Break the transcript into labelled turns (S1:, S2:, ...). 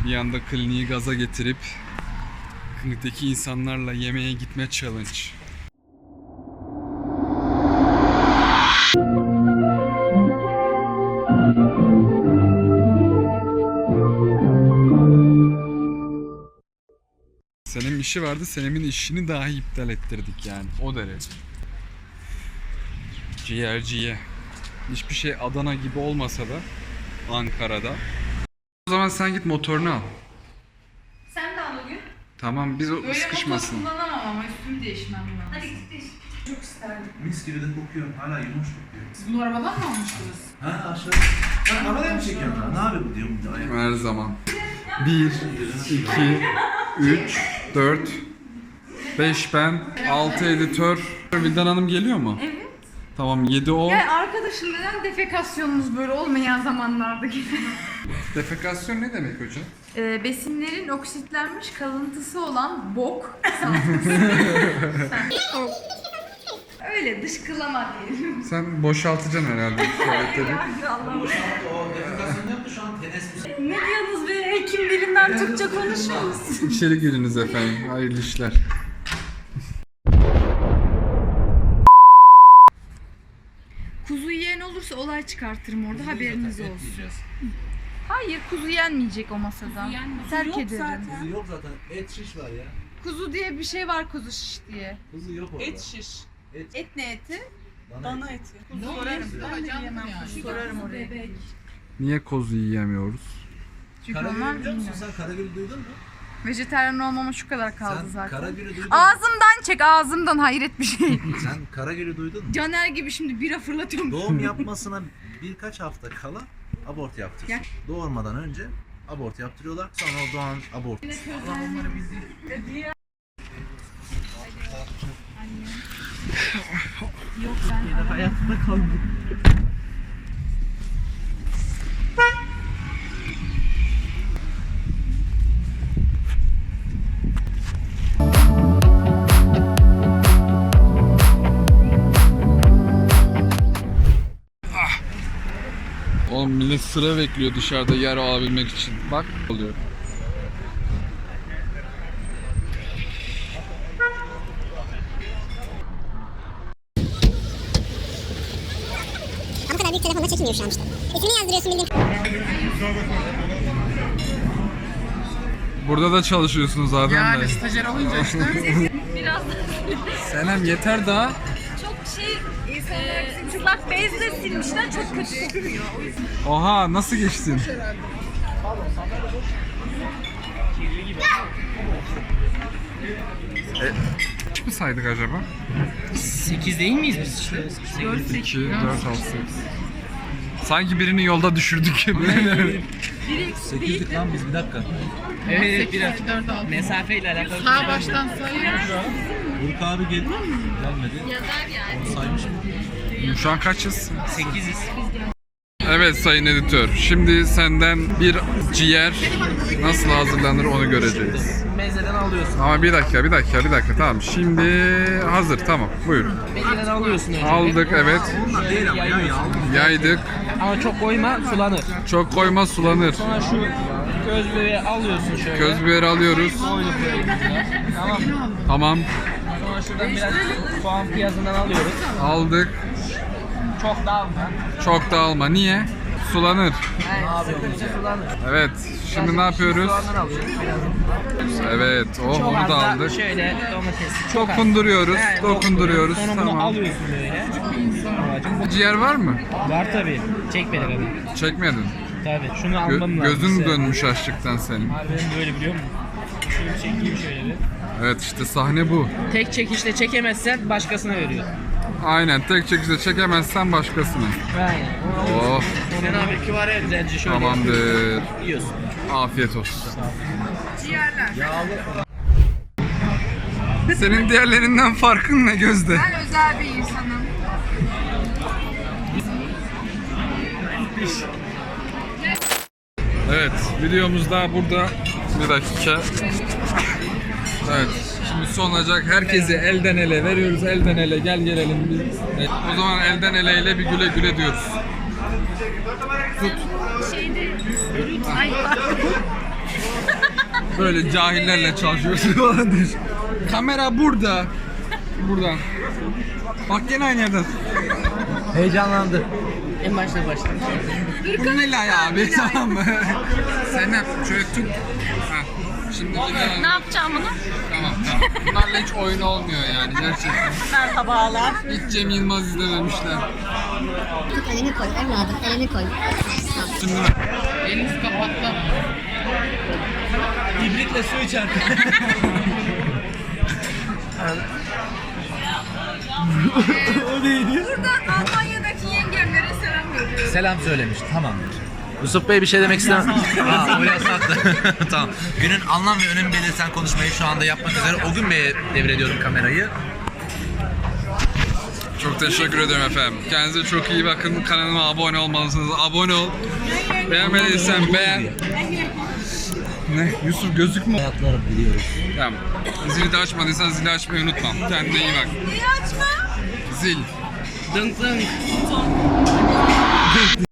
S1: Bir anda kliniği gaza getirip klinikteki insanlarla yemeğe gitme challenge. Senem'in işi vardı. Senem'in işini dahi iptal ettirdik yani. O derece. Ciğerciye. Hiçbir şey Adana gibi olmasa da Ankara'da. O zaman sen git motorunu al.
S2: Sen de al bugün.
S1: Tamam biz o
S2: Böyle
S1: sıkışmasın.
S2: motor kullanamam ama üstümü değişmem lazım. Hadi git değiş. Çok isterdim.
S3: Mis gibi de kokuyor. Hala yumuş kokuyor.
S2: Siz bunu arabadan mı almıştınız?
S3: Ha aşağı. Ha arabaya mı çekiyorsun lan? Ne abi bu diyorum.
S1: Her zaman. 1, 2, 3, 4, 5 ben, 6 editör. Vildan Hanım geliyor mu?
S2: Evet.
S1: Tamam 7 o.
S2: Yani arkadaşım neden defekasyonunuz böyle olmayan zamanlarda gibi?
S1: Defekasyon ne demek hocam?
S2: Besinlerin oksitlenmiş kalıntısı olan bok. Öyle dışkılama diyelim.
S1: Sen boşaltacaksın herhalde tuvaletleri.
S2: Allah'ım.
S3: O defekasyon yaptı şu an tenes
S2: Ne diyorsunuz be? Hekim dilinden Türkçe konuşuyoruz.
S1: İçeri giriniz efendim. Hayırlı işler.
S2: Kuzu yiyen olursa olay çıkartırım orada, haberiniz olsun.
S3: yiyeceğiz.
S2: Hayır, kuzu yenmeyecek o masada. Terk ederim.
S3: Kuzu yok zaten. Et şiş var ya.
S2: Kuzu diye bir şey var, kuzu şiş diye.
S3: Kuzu yok orada.
S4: Et şiş.
S2: Et ne eti?
S4: Dana eti.
S2: Sorarım. Ben de yiyemem. Sorarım oraya.
S1: Niye kozu yiyemiyoruz?
S2: Çünkü onlar
S3: Karagül'ü biliyor musun?
S2: bilmiyor.
S3: Sen Karagül'ü duydun mu?
S2: Vejetaryen olmama şu kadar kaldı
S3: Sen
S2: zaten.
S3: Karagül'ü duydun mu?
S2: Ağzımdan çek, ağzımdan, hayret bir şey.
S3: Sen Karagül'ü duydun mu?
S2: Caner gibi şimdi bira fırlatıyorum.
S3: Doğum yapmasına birkaç hafta kala abort yaptırıyor. Doğurmadan önce abort yaptırıyorlar. Sonra o doğan abort. Allah onları bildiği.
S2: Yok ben
S3: Hayatta kaldım.
S1: Oğlum millet sıra bekliyor dışarıda yer alabilmek için. Bak oluyor.
S5: Ama kadar büyük telefonla çekilmiyor şu an işte. İsmini yazdırıyorsun bildiğin.
S1: Burada da çalışıyorsunuz zaten de.
S4: Stajyer olunca işte.
S2: biraz
S1: Senem yeter daha.
S2: çok şey ıslak bezle silmişler, çok kötü kokuyor.
S1: Oha nasıl geçtin? Kaç mı saydık acaba?
S4: 8 değil miyiz biz işte?
S1: 2, 4, 6, 8. Sanki birini yolda düşürdük gibi.
S3: 8'lik lan biz bir dakika.
S4: Evet biraz mesafeyle alakalı.
S6: Sağ baştan sayıyor.
S3: Burk abi gelmedi. Onu saymış mı?
S1: Şu an kaçız?
S4: 8'iz.
S1: Evet sayın editör. Şimdi senden bir ciğer nasıl hazırlanır onu göreceğiz.
S4: Mezeden alıyorsun.
S1: Ama bir dakika. Tamam. Şimdi hazır. Tamam. Buyurun.
S4: Mezeden alıyorsun önce.
S1: Aldık evet.
S3: Değil ama ya
S1: Yaydık.
S4: Ama çok koyma sulanır.
S1: Çok koyma sulanır.
S4: Sonra şu göz bebeği alıyorsun şöyle.
S1: Köz biberi alıyoruz.
S4: Koyduk böyle. Tamam mı?
S1: Tamam.
S4: Sonra şuradan biraz soğan piyazından alıyoruz.
S1: Aldık.
S4: Çok dağılma.
S1: Çok da alma. Niye? Sulanır.
S4: Sıkınca sulanır.
S1: Evet. Şimdi ne yapıyoruz?
S4: Soğandan alıyoruz biraz.
S1: Evet. Oh
S4: Çok
S1: onu
S4: az
S1: da
S4: da
S1: aldık.
S4: şöyle domates. Çok az.
S1: Dokunduruyoruz.
S4: Yani
S1: Dokunduruyoruz.
S4: Sonra bunu
S1: Tamam.
S4: alıyorsun böyle. Babacım,
S1: Ciğer var mı?
S4: var tabii. Çek beni kadar.
S1: Çekmedin.
S4: Tabii. Şunu almam lazım.
S1: Gözün
S4: size.
S1: dönmüş açlıktan senin.
S4: Harbiden böyle biliyor musun? Şunu çekeyim şöyle bir.
S1: Evet işte sahne bu.
S4: Tek çekişle çekemezsen başkasına veriyor.
S1: Aynen tek çekişte çekemezsen başkasına.
S4: Aynen.
S1: Oh
S4: Sen abi küvare güzelce şöyle
S1: tamamdır.
S4: yiyorsun.
S1: Afiyet olsun. Senin diğerlerinden farkın ne Gözde?
S2: Ben özel bir insanım.
S1: Evet videomuz da burada. Bir dakika. Evet şimdi son olacak. Herkesi elden ele veriyoruz. Elden ele gel gelelim biz. Evet, o zaman elden ele ile bir güle güle diyoruz. Tut. Böyle cahillerle çalışıyorsun falan diyor. Kamera burada. Burada. Bak gene aynı yerden.
S3: Heyecanlandı.
S4: En başta.
S1: Bu Nilay abi tamam mı? Sen şöyle tut. Ha. Şimdi gidelim.
S2: Ne yapacağım bunu?
S1: Tamam. Bunlarla hiç oyun olmuyor yani gerçekten.
S2: Merhabalar.
S1: Hiç Cem Yılmaz izlememişler.
S5: Tut elini koy evladım elini koy.
S1: Şimdi
S4: Eliniz kapattı. İbritle su içer.
S2: Buradan Almanya'daki yengemlere selam veriyorum.
S3: Selam söylemiş. Tamamdır. Yusuf Bey bir şey demek istemem. Aa, o yasaktı. Tamam. Günün anlam ve önemi belirten konuşmayı şu anda yapmak üzere o gün Bey'e devrediyorum kamerayı.
S1: çok teşekkür ederim efendim. Kendinize çok iyi bakın. Kanalıma abone olmalısınız. Abone ol. Beğenmediysen beğen. Ne? Yusuf gözükmüyor.
S3: Hayatları biliyoruz.
S1: Tamam. Zili de açmadıysan zili açmayı unutma. Kendine iyi bak.
S2: Niye açma?
S1: Zil.
S4: Dın dın.